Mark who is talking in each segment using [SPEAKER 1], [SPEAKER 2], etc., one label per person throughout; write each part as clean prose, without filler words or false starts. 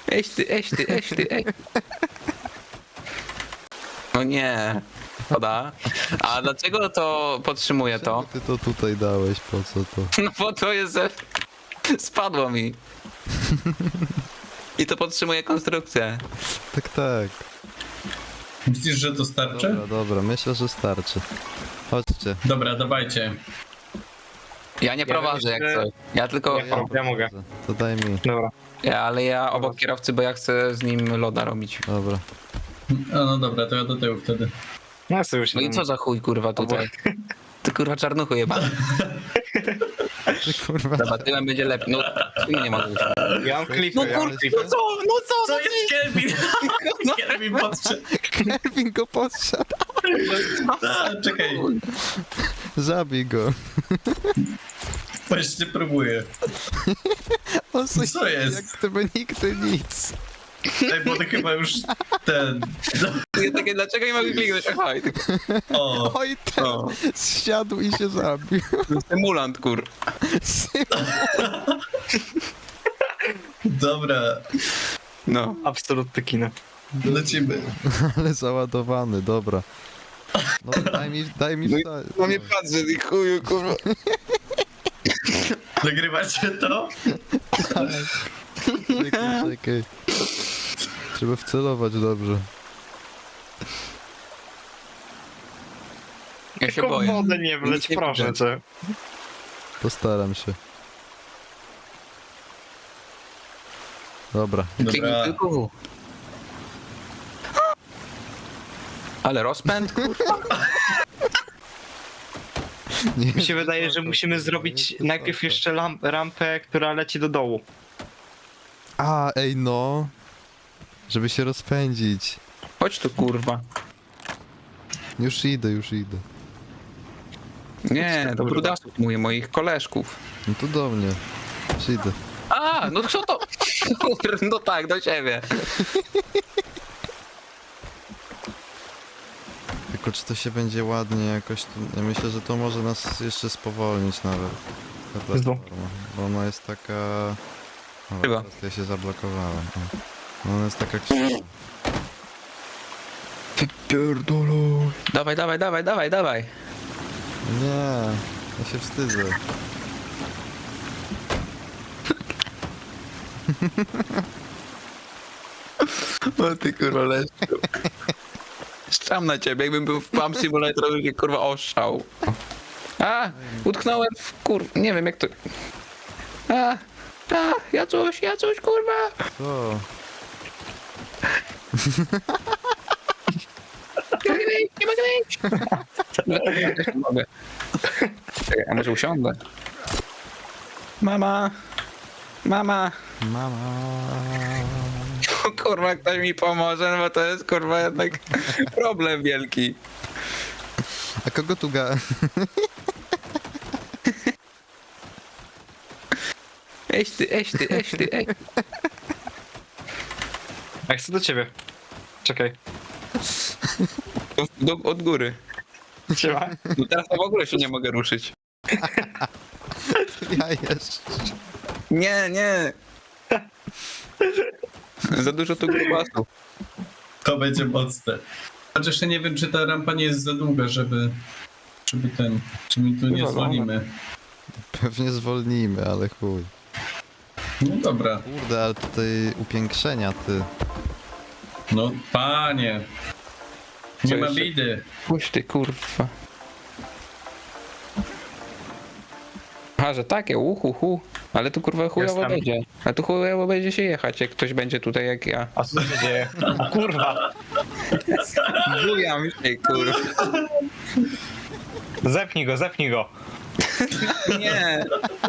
[SPEAKER 1] Ej. No nie. Szkoda. A dlaczego to podtrzymuję to?
[SPEAKER 2] Czemu ty to tutaj dałeś, po co to?
[SPEAKER 1] No bo to jest... Spadło mi. I to podtrzymuje konstrukcję.
[SPEAKER 2] Tak.
[SPEAKER 3] Myślisz, że to starczy?
[SPEAKER 2] Dobra, myślę, że starczy. Chodźcie.
[SPEAKER 3] Dobra, dawajcie.
[SPEAKER 1] Ja nie prowadzę jak coś. Ja tylko...
[SPEAKER 4] Ja mogę.
[SPEAKER 2] To daj mi.
[SPEAKER 4] Dobra.
[SPEAKER 1] Ale ja obok kierowcy, bo ja chcę z nim loda robić.
[SPEAKER 2] Dobra.
[SPEAKER 3] A no dobra, to ja do tyłu wtedy.
[SPEAKER 4] No ja sobie już
[SPEAKER 1] No i co za chuj kurwa tutaj? Ty kurwa czarnuchu jebany.
[SPEAKER 2] Ty kurwa.
[SPEAKER 1] Dobra, tyłem będzie lepiej. No, tu nie mogę.
[SPEAKER 4] Ja mam klipy,
[SPEAKER 2] No
[SPEAKER 4] ja mam
[SPEAKER 2] kur-
[SPEAKER 4] klipy.
[SPEAKER 3] Co jest Kelvin? Kelvin podszedł.
[SPEAKER 2] Kelvin go podsiadł.
[SPEAKER 3] A, czekaj,
[SPEAKER 2] Zabij go.
[SPEAKER 3] właśnie próbuję.
[SPEAKER 2] On sobie
[SPEAKER 3] Co jest?
[SPEAKER 2] Jak gdyby nigdy nic.
[SPEAKER 3] Ej, bo to chyba już ten...
[SPEAKER 1] Ja takie, dlaczego nie mogę kliknąć? Aha, i tylko
[SPEAKER 3] O,
[SPEAKER 2] Oj, ten
[SPEAKER 1] O.
[SPEAKER 2] zsiadł i się zabił.
[SPEAKER 1] symulant kur.
[SPEAKER 3] dobra,
[SPEAKER 1] No.
[SPEAKER 4] Absolutne kino.
[SPEAKER 3] lecimy.
[SPEAKER 2] Ale załadowany, dobra. No daj mi wstać.
[SPEAKER 1] No nie patrzę, ty chuju kurwa.
[SPEAKER 3] Nagrywacie to?
[SPEAKER 2] Czekaj. Trzeba wcelować dobrze.
[SPEAKER 1] Ja się
[SPEAKER 4] Tylko w
[SPEAKER 1] boję.
[SPEAKER 4] wodę nie wleć,
[SPEAKER 1] Nic nie
[SPEAKER 4] proszę
[SPEAKER 1] widzę.
[SPEAKER 4] cię.
[SPEAKER 2] Postaram się. Dobra.
[SPEAKER 1] Kliknij
[SPEAKER 3] Dobra,
[SPEAKER 1] tylko W. Ale rozpęd kurwa.
[SPEAKER 2] Nie,
[SPEAKER 4] Mi się wydaje, że musimy zrobić najpierw jeszcze rampę, która leci do dołu.
[SPEAKER 2] A, ej no. Żeby się rozpędzić.
[SPEAKER 1] Chodź tu kurwa.
[SPEAKER 2] Już idę.
[SPEAKER 1] Nie, do brudasów mówię, moich koleżków.
[SPEAKER 2] No to do mnie. Już idę.
[SPEAKER 1] A, no co to? No tak, do ciebie.
[SPEAKER 2] Tylko czy to się będzie ładnie jakoś tu... Ja myślę, że to może nas jeszcze spowolnić nawet. Ta platforma. Bo ona jest taka... O,
[SPEAKER 1] Chyba.
[SPEAKER 2] teraz ja się zablokowałem. O. No ona jest taka krzywa.
[SPEAKER 1] Pierdolu. Dawaj.
[SPEAKER 2] Nie, ja się wstydzę.
[SPEAKER 1] O ty kurwa leszczu. Szczam na ciebie, jakbym był w Pump Simulator, to mnie kurwa oszczał. A, utknąłem w nie wiem jak to... Ja coś kurwa.
[SPEAKER 2] Co?
[SPEAKER 1] Nie mogę wyjść. Nie mogę. Czekaj, a może usiądę? Mama.
[SPEAKER 2] Mama.
[SPEAKER 1] O, kurwa, ktoś mi pomoże, no bo to jest kurwa jednak problem wielki.
[SPEAKER 2] A kogo tu ga...
[SPEAKER 1] Ej.
[SPEAKER 4] Ja chcę do ciebie. Czekaj.
[SPEAKER 1] Od góry.
[SPEAKER 4] Siema.
[SPEAKER 1] No teraz to w ogóle się nie mogę ruszyć.
[SPEAKER 2] Ja jeszcze.
[SPEAKER 1] Nie. Za dużo tu grubasu.
[SPEAKER 3] to będzie mocne. Chociaż jeszcze nie wiem, czy ta rampa nie jest za długa, żeby czy mi tu nie zwolnimy.
[SPEAKER 2] Pewnie zwolnimy, ale chuj.
[SPEAKER 3] No dobra,
[SPEAKER 2] Kurde, ale tutaj upiększenia, ty.
[SPEAKER 3] no panie. Nie
[SPEAKER 1] Co
[SPEAKER 3] ma
[SPEAKER 1] jeszcze?
[SPEAKER 3] bidy.
[SPEAKER 1] Puść ty kurwa. Aha, że takie, uhu. Ale tu kurwa chujowo
[SPEAKER 4] Jestem.
[SPEAKER 1] będzie. A tu chujowo będzie się jechać, jak ktoś będzie tutaj jak ja.
[SPEAKER 4] A co się dzieje? O kurwa.
[SPEAKER 1] Bujam się kurwa.
[SPEAKER 4] Zepnij go.
[SPEAKER 1] Nie.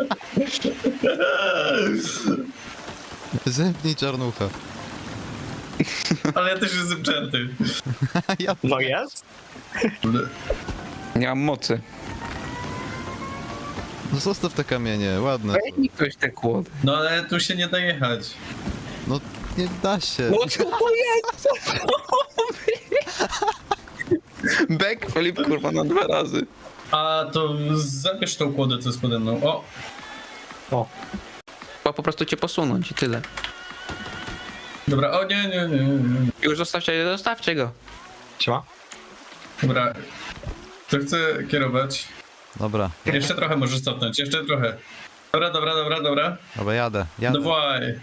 [SPEAKER 2] Zemknij czarnucha.
[SPEAKER 3] Ale ja też jestem czarny.
[SPEAKER 2] Ja...
[SPEAKER 4] No jest?
[SPEAKER 1] Nie mam mocy.
[SPEAKER 2] No zostaw te kamienie, ładne.
[SPEAKER 1] Daj mi ktoś te kłody.
[SPEAKER 3] No ale tu się nie da jechać.
[SPEAKER 2] No nie da się.
[SPEAKER 1] No co to jest? Backflip kurwa na 2 razy.
[SPEAKER 3] A to zabierz tą kłodę, co jest pode mną. O,
[SPEAKER 1] Chyba po prostu cię posunąć i tyle.
[SPEAKER 3] Dobra, o nie.
[SPEAKER 1] Już zostawcie go.
[SPEAKER 4] Siema.
[SPEAKER 3] Dobra. To chcę kierować.
[SPEAKER 2] Dobra,
[SPEAKER 3] Jeszcze trochę możesz cofnąć, jeszcze trochę. Dobra.
[SPEAKER 2] dobra, jadę.
[SPEAKER 3] Dawaj.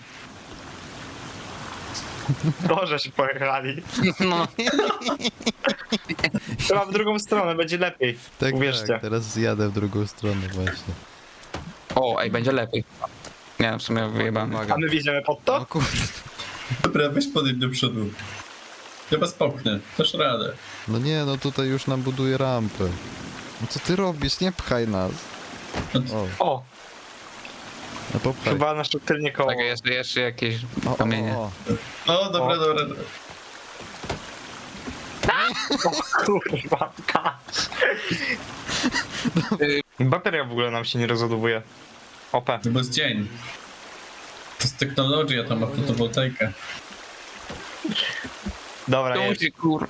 [SPEAKER 4] Dobrze się pojechali.
[SPEAKER 1] No.
[SPEAKER 4] Chyba w drugą stronę, będzie lepiej.
[SPEAKER 2] Tak,
[SPEAKER 4] Uwierzcie.
[SPEAKER 2] tak, teraz jadę w drugą stronę właśnie.
[SPEAKER 1] O, ej, będzie lepiej. Nie, w sumie wyjebane.
[SPEAKER 2] Uwaga.
[SPEAKER 4] A my wjedziemy pod
[SPEAKER 2] O
[SPEAKER 4] to?
[SPEAKER 2] kurde.
[SPEAKER 3] Dobra, weź podejdź do przodu. Ja was popchnę, dasz radę.
[SPEAKER 2] No nie, no tutaj już nam buduje rampę. No co ty robisz? Nie pchaj nas. O,
[SPEAKER 4] O,
[SPEAKER 2] no popchaj.
[SPEAKER 4] chyba nasze tylnie koło.
[SPEAKER 1] Tak, jeszcze jakieś
[SPEAKER 2] O,
[SPEAKER 1] kamienie.
[SPEAKER 3] O, dobra.
[SPEAKER 4] O kurwa, bateria w ogóle nam się nie rozładowuje. OP.
[SPEAKER 3] No bo jest dzień. To jest technologia, tam ma fotowoltaikę.
[SPEAKER 4] Dobra, jest.
[SPEAKER 1] Kur...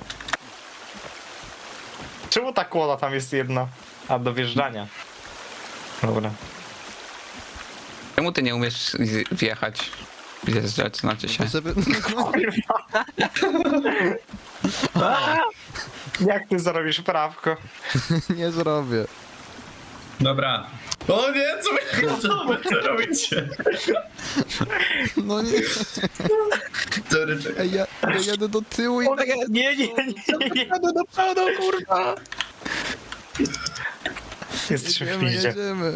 [SPEAKER 4] Czemu ta kłoda tam jest jedna? A, do wjeżdżania. Dobra.
[SPEAKER 1] Czemu ty nie umiesz wjechać? Zjeżdżać, znaczy się.
[SPEAKER 2] Żeby...
[SPEAKER 4] Jak ty zarobisz prawko?
[SPEAKER 2] nie zrobię.
[SPEAKER 3] Dobra. O nie, co wy robicie?
[SPEAKER 2] No nie.
[SPEAKER 3] Sorry, czekaj.
[SPEAKER 2] Ej, ja jadę do tyłu i...
[SPEAKER 4] Nie.
[SPEAKER 1] Jadę do przodu, kurwa!
[SPEAKER 4] Jesteśmy w
[SPEAKER 2] Jedziemy,
[SPEAKER 4] piździe.
[SPEAKER 2] jedziemy.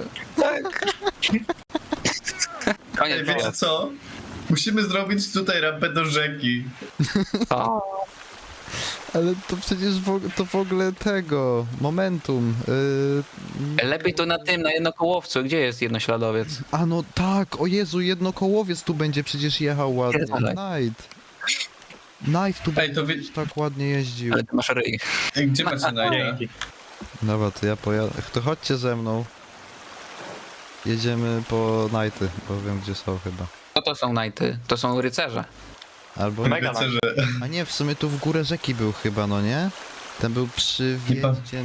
[SPEAKER 1] Koniec,
[SPEAKER 3] Ej, wiecie
[SPEAKER 1] wyjazd.
[SPEAKER 3] co? Musimy zrobić tutaj rampę do rzeki.
[SPEAKER 1] O,
[SPEAKER 2] Ale to przecież to w ogóle tego... Momentum.
[SPEAKER 1] lepiej to na tym, na jednokołowcu. Gdzie jest jednośladowiec?
[SPEAKER 2] A no tak, o Jezu, jednokołowiec tu będzie przecież jechał ładnie.
[SPEAKER 1] Pierdolę.
[SPEAKER 2] Knight tu
[SPEAKER 3] Ej, to
[SPEAKER 2] będzie tak ładnie jeździł.
[SPEAKER 1] Ale ty masz ryj.
[SPEAKER 3] Ej, gdzie macie najdę?
[SPEAKER 4] Dzięki.
[SPEAKER 2] Dobra, to ja pojadę. To chodźcie ze mną. Jedziemy po Knighty, bo wiem gdzie są chyba.
[SPEAKER 1] Co to są najty? To są rycerze.
[SPEAKER 2] Albo...
[SPEAKER 4] Mega
[SPEAKER 3] Rycerze.
[SPEAKER 2] A nie, w sumie tu w górę rzeki był chyba, no nie? Ten był przy wjeździe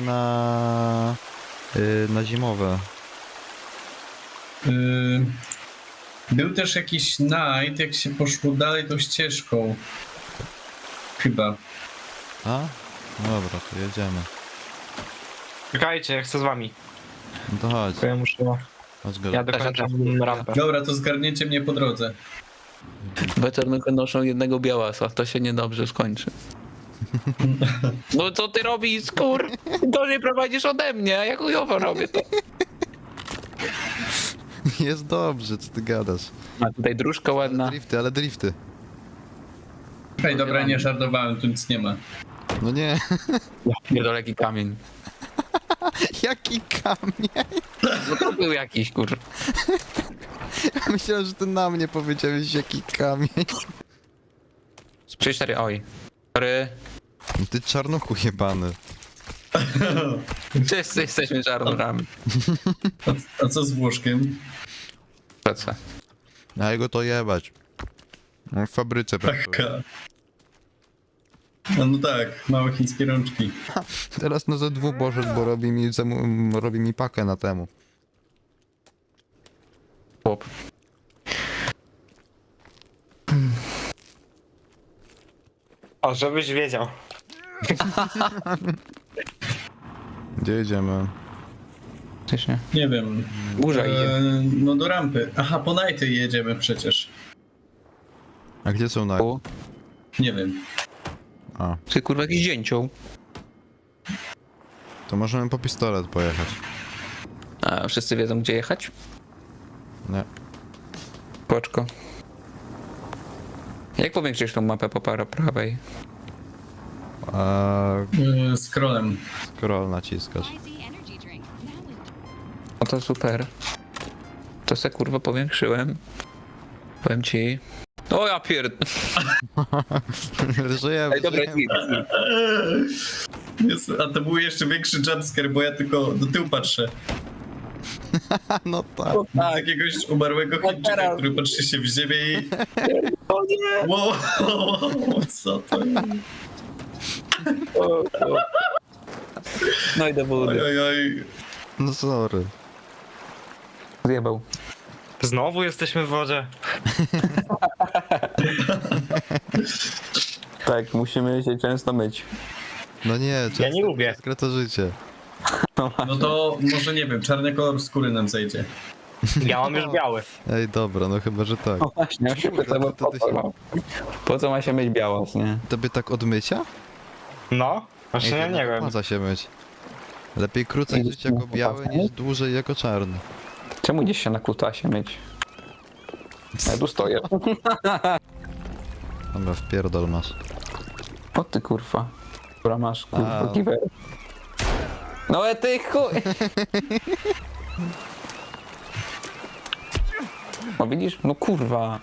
[SPEAKER 2] na zimowe.
[SPEAKER 3] Był też jakiś night, jak się poszło dalej tą ścieżką. Chyba.
[SPEAKER 2] A? No dobra, to jedziemy.
[SPEAKER 4] Czekajcie, ja chcę z wami.
[SPEAKER 2] No to chodź,
[SPEAKER 4] To ja muszę...
[SPEAKER 2] chodź go.
[SPEAKER 4] Ja dokończam rampę.
[SPEAKER 3] Dobra, to zgarniecie mnie po drodze.
[SPEAKER 1] Weterynarze noszą jednego białasa. To się niedobrze skończy. No co ty robisz, kur? To nie prowadzisz ode mnie, a ja chujowo robię to.
[SPEAKER 2] Jest dobrze, co ty gadasz?
[SPEAKER 1] A tutaj dróżka ładna.
[SPEAKER 2] Ale drifty.
[SPEAKER 3] Ej, dobra, nie żartowałem, tu nic nie ma.
[SPEAKER 2] No nie,
[SPEAKER 1] Niedaleki kamień.
[SPEAKER 2] jaki kamień?
[SPEAKER 1] No to był jakiś, kur.
[SPEAKER 2] Myślałem, że ty na mnie powiedziałeś, jaki kamień.
[SPEAKER 1] 3-4, oj. Sorry.
[SPEAKER 2] Ty czarnuchu jebany.
[SPEAKER 1] Wszyscy jesteśmy czarnurami.
[SPEAKER 3] A co z Włoszkiem?
[SPEAKER 1] Co?
[SPEAKER 2] A jego to jebać. No, w fabryce pracuje.
[SPEAKER 3] Taka. No tak, małe chińskie rączki.
[SPEAKER 2] Teraz no ze dwóch poszedł, bo robi mi pakę na temu.
[SPEAKER 1] Chłop.
[SPEAKER 4] O, żebyś wiedział.
[SPEAKER 2] Gdzie jedziemy?
[SPEAKER 1] Faktycznie.
[SPEAKER 3] Nie wiem.
[SPEAKER 1] Burza idzie.
[SPEAKER 3] No do rampy. Aha, po nighty jedziemy przecież.
[SPEAKER 2] A gdzie są na...
[SPEAKER 1] U,
[SPEAKER 3] Nie wiem.
[SPEAKER 2] A,
[SPEAKER 1] Ty kurwa jakiś dzięcioł.
[SPEAKER 2] to możemy po pistolet pojechać.
[SPEAKER 1] A wszyscy wiedzą gdzie jechać?
[SPEAKER 2] Nie.
[SPEAKER 1] Poczko. Jak powiększysz tą mapę po prawej?
[SPEAKER 3] Scrollem.
[SPEAKER 2] Scroll naciskasz.
[SPEAKER 1] No to super. To se kurwa powiększyłem. Powiem ci. O ja pierd...
[SPEAKER 2] Żyjemy,
[SPEAKER 1] Ej, dobra,
[SPEAKER 2] żyjemy.
[SPEAKER 3] Jest, a to był jeszcze większy jumpscare, bo ja tylko do tyłu patrzę.
[SPEAKER 2] No tak.
[SPEAKER 3] Na jakiegoś umarłego Chińczyka,
[SPEAKER 1] teraz.
[SPEAKER 3] który patrzy się w ziemię i...
[SPEAKER 1] O nie!
[SPEAKER 3] Wow, co to jest?
[SPEAKER 1] No i do
[SPEAKER 3] Oj,
[SPEAKER 1] wody.
[SPEAKER 3] oj, oj.
[SPEAKER 2] No sorry.
[SPEAKER 1] Zjebał.
[SPEAKER 4] Znowu jesteśmy w wodzie.
[SPEAKER 1] Tak, musimy się często myć.
[SPEAKER 2] No nie,
[SPEAKER 4] Ja nie lubię.
[SPEAKER 2] Skoro to życie.
[SPEAKER 3] No to może nie wiem, czarny kolor skóry nam zejdzie.
[SPEAKER 4] Ja mam już biały.
[SPEAKER 2] Ej, dobra, no chyba, że tak.
[SPEAKER 1] No właśnie, ja się pytam,
[SPEAKER 2] to
[SPEAKER 1] po
[SPEAKER 2] ty
[SPEAKER 1] co,
[SPEAKER 2] się-
[SPEAKER 1] no? Po co ma się myć białos, nie?
[SPEAKER 2] Tobie tak od mycia?
[SPEAKER 4] No, właśnie
[SPEAKER 2] Ej,
[SPEAKER 4] ja
[SPEAKER 2] to
[SPEAKER 4] nie wiem.
[SPEAKER 2] opłaca się myć. Lepiej krócej
[SPEAKER 1] Ej,
[SPEAKER 2] żyć jako
[SPEAKER 1] no,
[SPEAKER 2] biały
[SPEAKER 1] opłaca,
[SPEAKER 2] niż
[SPEAKER 1] nie?
[SPEAKER 2] dłużej jako czarny.
[SPEAKER 1] Czemu gdzieś się na kutasie myć? Ja tu stoję.
[SPEAKER 2] Dobra, wpierdol masz.
[SPEAKER 1] O ty kurwa. Która masz kurwa
[SPEAKER 2] A.
[SPEAKER 1] kiwer. No ty chuj! O widzisz? No kurwa.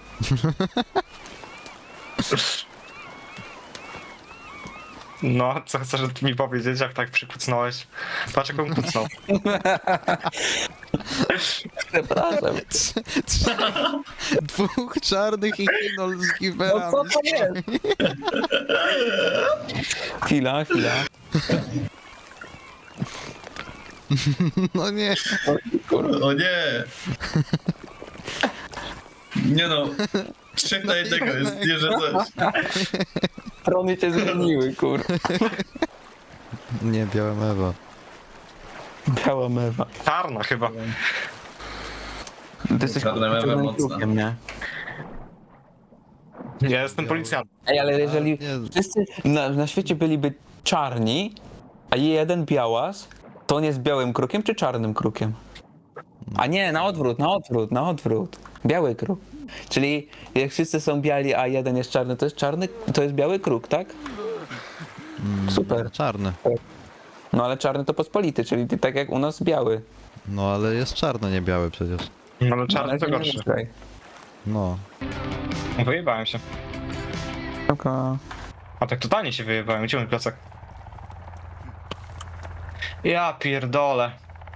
[SPEAKER 4] No, co chcesz mi powiedzieć, jak tak przykucnąłeś? Patrz jak on kucnął.
[SPEAKER 1] Przepraszam.
[SPEAKER 2] Dwóch czarnych i kinol z
[SPEAKER 1] No
[SPEAKER 2] giwerami.
[SPEAKER 1] co to jest? Chwila.
[SPEAKER 2] No nie.
[SPEAKER 3] O nie! Nie no, 3 na 1 jest, nie że coś.
[SPEAKER 1] Strony cię zmieniły, kurwa.
[SPEAKER 2] Nie, biała mewa.
[SPEAKER 1] Biała mewa.
[SPEAKER 4] Czarna chyba.
[SPEAKER 1] Ty jesteś
[SPEAKER 3] Czarna mewa
[SPEAKER 1] czarnym
[SPEAKER 3] mocna.
[SPEAKER 1] krukiem, nie?
[SPEAKER 4] Ja jestem policjantem.
[SPEAKER 1] Ej, ale jeżeli
[SPEAKER 2] Nie.
[SPEAKER 1] wszyscy na świecie byliby czarni, a jeden białas, to on jest białym krukiem czy czarnym krukiem? A nie, na odwrót. Biały kruk. Czyli jak wszyscy są biali, a jeden jest czarny, to jest czarny, to jest biały kruk, tak? Super.
[SPEAKER 2] Czarny.
[SPEAKER 1] No ale czarny to pospolity, czyli ty tak jak u nas biały.
[SPEAKER 2] No ale jest czarny, nie biały przecież.
[SPEAKER 4] No ale czarny to
[SPEAKER 1] nie
[SPEAKER 4] gorszy.
[SPEAKER 1] ruszaj.
[SPEAKER 2] No.
[SPEAKER 4] Wyjebałem się.
[SPEAKER 1] Tylko...
[SPEAKER 4] A tak totalnie się wyjebałem. Gdzie mój plecak? Ja pierdolę.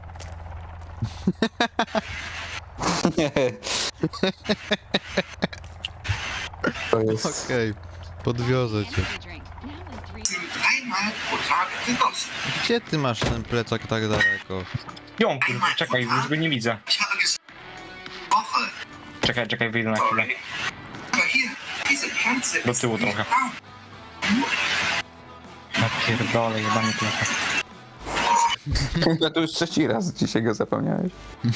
[SPEAKER 1] To jest...
[SPEAKER 2] Okej. Podwiozę cię. Gdzie ty masz ten plecak tak daleko?
[SPEAKER 4] Ją, kurwa, czekaj, już go nie widzę. Czekaj, wyjdę na chwilę. Do tyłu trochę. Ja pierdolę, jebany plecak.
[SPEAKER 1] Ja to już trzeci raz dzisiaj go zapomniałeś.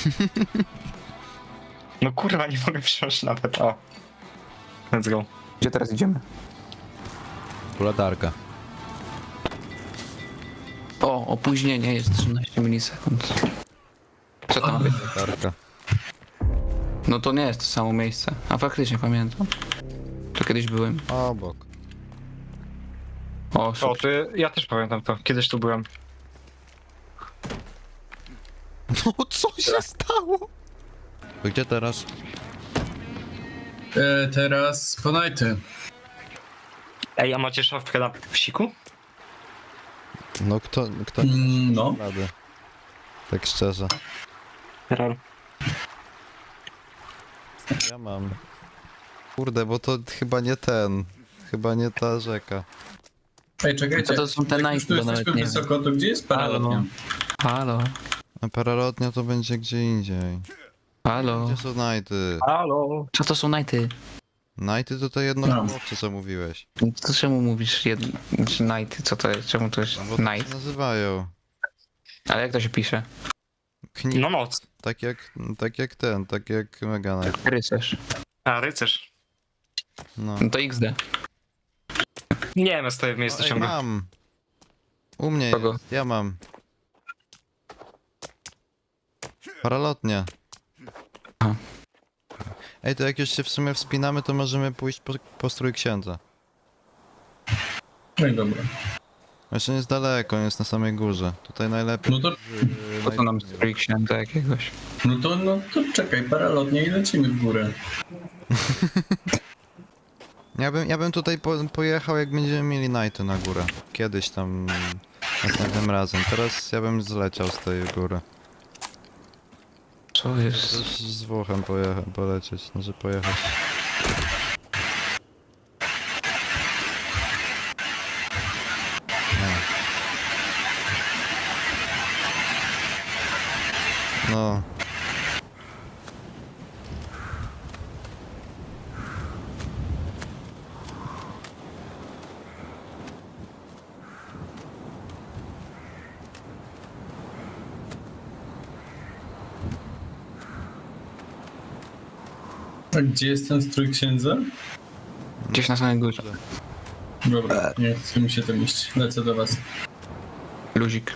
[SPEAKER 4] No kurwa, nie mogę wsiąść nawet, o. Let's go.
[SPEAKER 1] Gdzie teraz idziemy?
[SPEAKER 2] Latarka.
[SPEAKER 1] O, opóźnienie jest 13 milisekund. Co to ma być?
[SPEAKER 2] Latarka.
[SPEAKER 1] No to nie jest to samo miejsce. A faktycznie pamiętam. To kiedyś byłem.
[SPEAKER 2] Obok.
[SPEAKER 1] O,
[SPEAKER 4] O,
[SPEAKER 1] super.
[SPEAKER 4] ja też pamiętam to. Kiedyś tu byłem.
[SPEAKER 2] No co się stało? To gdzie teraz?
[SPEAKER 3] Teraz ponajty.
[SPEAKER 4] Ej, a macie szafkę na psiku?
[SPEAKER 2] No kto
[SPEAKER 3] No.
[SPEAKER 2] rady? Tak szczerze.
[SPEAKER 4] Rel.
[SPEAKER 2] Ja mam. Kurde, bo to chyba nie ten. Chyba nie ta rzeka.
[SPEAKER 3] Ej, czekajcie.
[SPEAKER 1] To są te
[SPEAKER 3] jak
[SPEAKER 1] Nike,
[SPEAKER 3] już tu
[SPEAKER 1] bo nawet
[SPEAKER 3] jesteśmy
[SPEAKER 1] nie wiem.
[SPEAKER 3] wysoko, to gdzie jest paralotnia?
[SPEAKER 1] Halo.
[SPEAKER 2] A paralotnia to będzie gdzie indziej.
[SPEAKER 1] Halo.
[SPEAKER 2] Gdzie są nighty?
[SPEAKER 4] Halo.
[SPEAKER 1] Co to są nighty?
[SPEAKER 2] Nighty to te jedno
[SPEAKER 3] No.
[SPEAKER 2] chłopcze, co mówiłeś.
[SPEAKER 1] To czemu mówisz nighty? Co to jest? Czemu to jest
[SPEAKER 2] No bo tak się
[SPEAKER 1] night?
[SPEAKER 2] nazywają.
[SPEAKER 1] Ale jak to się pisze?
[SPEAKER 4] No noc.
[SPEAKER 2] Tak jak Mega Knight.
[SPEAKER 1] Rycerz.
[SPEAKER 4] A, rycerz.
[SPEAKER 2] No.
[SPEAKER 1] No to XD.
[SPEAKER 4] Nie wiem, ja stoję w miejscu
[SPEAKER 2] Ej,
[SPEAKER 4] ciągle.
[SPEAKER 2] mam. U mnie
[SPEAKER 1] Kogo?
[SPEAKER 2] jest, ja mam. Paralotnia.
[SPEAKER 1] Aha.
[SPEAKER 2] Ej, to jak już się w sumie wspinamy, to możemy pójść po strój księdza.
[SPEAKER 3] No i dobra.
[SPEAKER 2] Jeszcze nie jest daleko, on jest na samej górze. Tutaj najlepiej.
[SPEAKER 3] No to,
[SPEAKER 1] Po co nam strój księdza jakiegoś?
[SPEAKER 3] no to czekaj, paralotnia i lecimy w górę.
[SPEAKER 2] Ja bym tutaj pojechał, jak będziemy mieli nighty na górę. Kiedyś tam, następnym razem. Teraz ja bym zleciał z tej góry.
[SPEAKER 1] Co jest?
[SPEAKER 2] Też z Włochem polecieć, znaczy pojechać. No.
[SPEAKER 3] A gdzie jest ten strój księdza?
[SPEAKER 1] Gdzieś na samej górze.
[SPEAKER 3] Dobra, nie chce mi się tam iść. Lecę do was.
[SPEAKER 1] Luzik.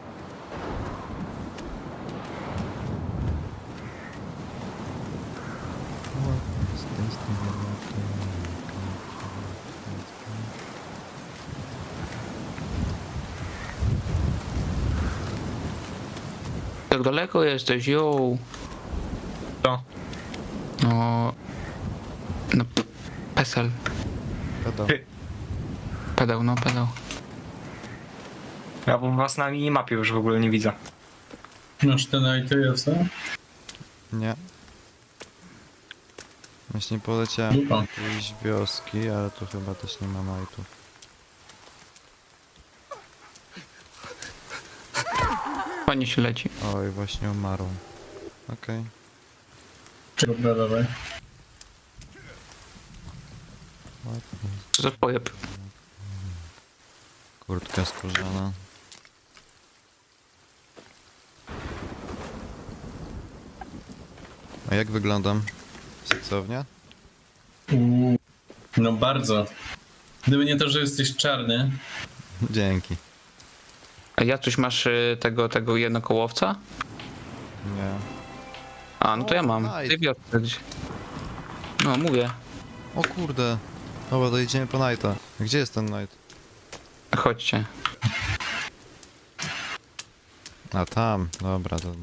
[SPEAKER 1] Tak daleko jesteś, jo.
[SPEAKER 4] Co?
[SPEAKER 1] No... No... Pesel.
[SPEAKER 2] Pedał.
[SPEAKER 1] Pedał, no pedał.
[SPEAKER 4] Ja was na minimapie już w ogóle nie widzę.
[SPEAKER 3] Masz ten ITS-a?
[SPEAKER 2] Nie. Właśnie poleciałem do
[SPEAKER 3] Dupa.
[SPEAKER 2] jakiejś wioski, ale tu chyba też nie ma majtów.
[SPEAKER 1] Fajnie się leci.
[SPEAKER 2] Oj, właśnie umarł. Okej.
[SPEAKER 3] Dobra, dawaj.
[SPEAKER 2] Ładnie.
[SPEAKER 1] Co za pojeb.
[SPEAKER 2] Kurtka skórzana. A jak wyglądam? Seksownie?
[SPEAKER 3] No bardzo. Gdyby nie to, że jesteś czarny.
[SPEAKER 2] Dzięki.
[SPEAKER 1] A ja coś masz tego jednokołowca?
[SPEAKER 2] Nie.
[SPEAKER 1] A, no to ja mam.
[SPEAKER 2] nice.
[SPEAKER 1] Ty wiosce gdzie. No, mówię.
[SPEAKER 2] O kurde. Dobra, to idziemy po Knighta. Gdzie jest ten Knight?
[SPEAKER 1] Chodźcie.
[SPEAKER 2] A tam, dobra, to...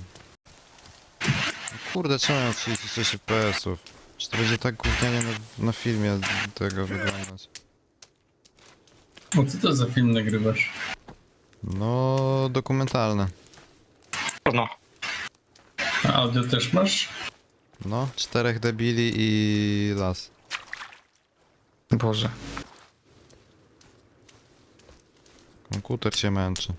[SPEAKER 2] Kurde, czemu mam 36 FPS-ów? Czy to będzie tak gównianie na filmie tego wyglądać?
[SPEAKER 3] O, co to za film nagrywasz?
[SPEAKER 2] No, dokumentalne.
[SPEAKER 4] No.
[SPEAKER 3] A audio też masz?
[SPEAKER 2] No, 4 debili i las.
[SPEAKER 1] Boże.
[SPEAKER 2] Komputer się męczy.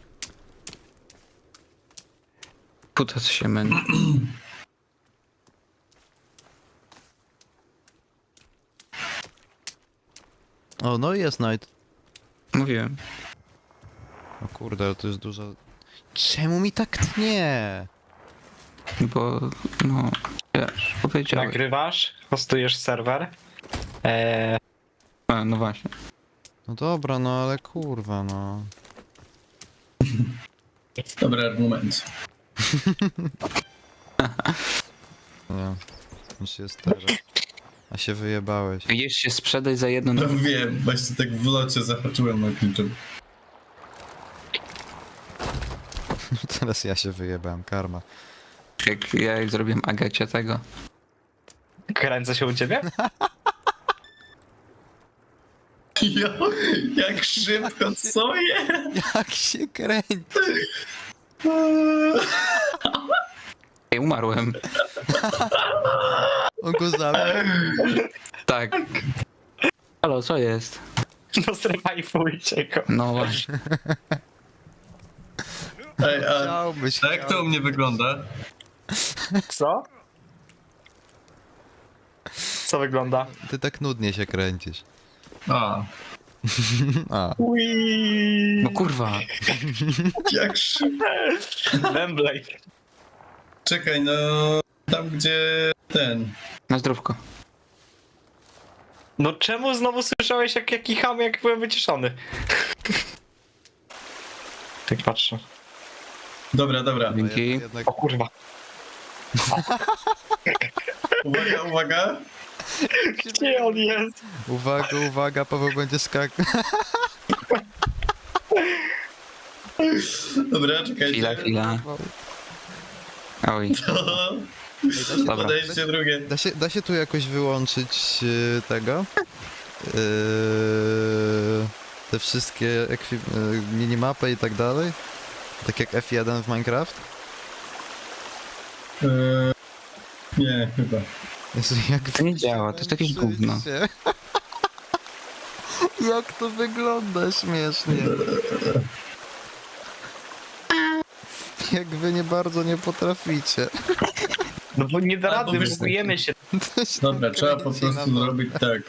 [SPEAKER 1] Puta się męczy.
[SPEAKER 2] O, no i jest Knight.
[SPEAKER 1] Mówiłem.
[SPEAKER 2] O kurde, ale to jest duża... Czemu mi tak tnie?
[SPEAKER 1] Bo, no, wiesz, powiedziałeś.
[SPEAKER 4] Nagrywasz, hostujesz serwer.
[SPEAKER 1] A, no właśnie.
[SPEAKER 2] No dobra, no ale kurwa, no.
[SPEAKER 3] Dobry argument.
[SPEAKER 2] Nie. Już jest teraz. A się wyjebałeś.
[SPEAKER 1] Jeźdź się sprzedaj za jedno...
[SPEAKER 3] No wiem, właśnie tak w locie zahaczyłem na kluczem.
[SPEAKER 2] Teraz ja się wyjebałem, karma.
[SPEAKER 1] Jak zrobiłem Agacie tego.
[SPEAKER 4] Kręcę się u ciebie?
[SPEAKER 3] Jo, jak szybko, co jest?
[SPEAKER 2] Jak się kręci?
[SPEAKER 1] Ej, umarłem.
[SPEAKER 2] On go zabił.
[SPEAKER 1] Tak. Halo, co jest?
[SPEAKER 4] No zrewajfujcie go.
[SPEAKER 1] No właśnie.
[SPEAKER 3] Ej, a
[SPEAKER 2] Chciałbyś,
[SPEAKER 3] jak to u mnie wygląda?
[SPEAKER 4] Co? Co wygląda?
[SPEAKER 2] Ty tak nudnie się kręcisz.
[SPEAKER 3] A,
[SPEAKER 2] A.
[SPEAKER 1] No kurwa.
[SPEAKER 3] jak szybko.
[SPEAKER 4] Wembley.
[SPEAKER 3] Czekaj, no tam gdzie ten.
[SPEAKER 1] Na zdrówko.
[SPEAKER 4] No czemu znowu słyszałeś jak kicham, jak byłem wyciszony? Tak patrzę.
[SPEAKER 3] Dobra, dobra.
[SPEAKER 1] Dzięki.
[SPEAKER 2] Jednak
[SPEAKER 4] O kurwa.
[SPEAKER 3] Uwaga, uwaga.
[SPEAKER 4] Gdzie on jest?
[SPEAKER 2] uwaga, uwaga, Paweł będzie skakał.
[SPEAKER 3] Dobra, czekajcie.
[SPEAKER 1] Chwila. Oj. Dobra.
[SPEAKER 3] Podejście drugie.
[SPEAKER 2] Da się tu jakoś wyłączyć tego? Te wszystkie minimapy i tak dalej? Tak jak F1 w Minecraft?
[SPEAKER 3] Nie, chyba.
[SPEAKER 2] Jezu, jak
[SPEAKER 1] To nie działa, to jest jakieś gówno.
[SPEAKER 2] Jak to wygląda śmiesznie. Jak wy nie bardzo nie potraficie.
[SPEAKER 4] No bo nie da
[SPEAKER 3] Albo
[SPEAKER 4] rady,
[SPEAKER 3] wiesz-
[SPEAKER 4] bugujemy się.
[SPEAKER 2] To się
[SPEAKER 3] Dobra,
[SPEAKER 2] tak
[SPEAKER 3] trzeba po
[SPEAKER 2] kręci na
[SPEAKER 3] prostu
[SPEAKER 2] to.
[SPEAKER 3] zrobić tak.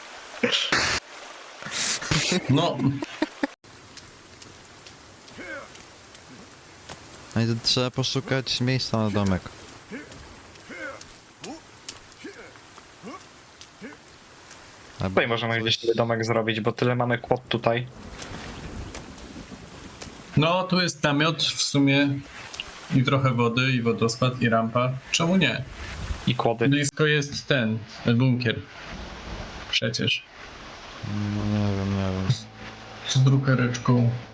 [SPEAKER 3] No,
[SPEAKER 2] No i to trzeba poszukać miejsca na domek.
[SPEAKER 4] Tutaj możemy gdzieś sobie domek zrobić, bo tyle mamy kłod tutaj.
[SPEAKER 3] No, tu jest namiot w sumie i trochę wody, i wodospad, i rampa. Czemu nie?
[SPEAKER 4] I kłody.
[SPEAKER 3] Blisko jest ten bunkier. Przecież.
[SPEAKER 2] No nie wiem.
[SPEAKER 3] Z drukareczką.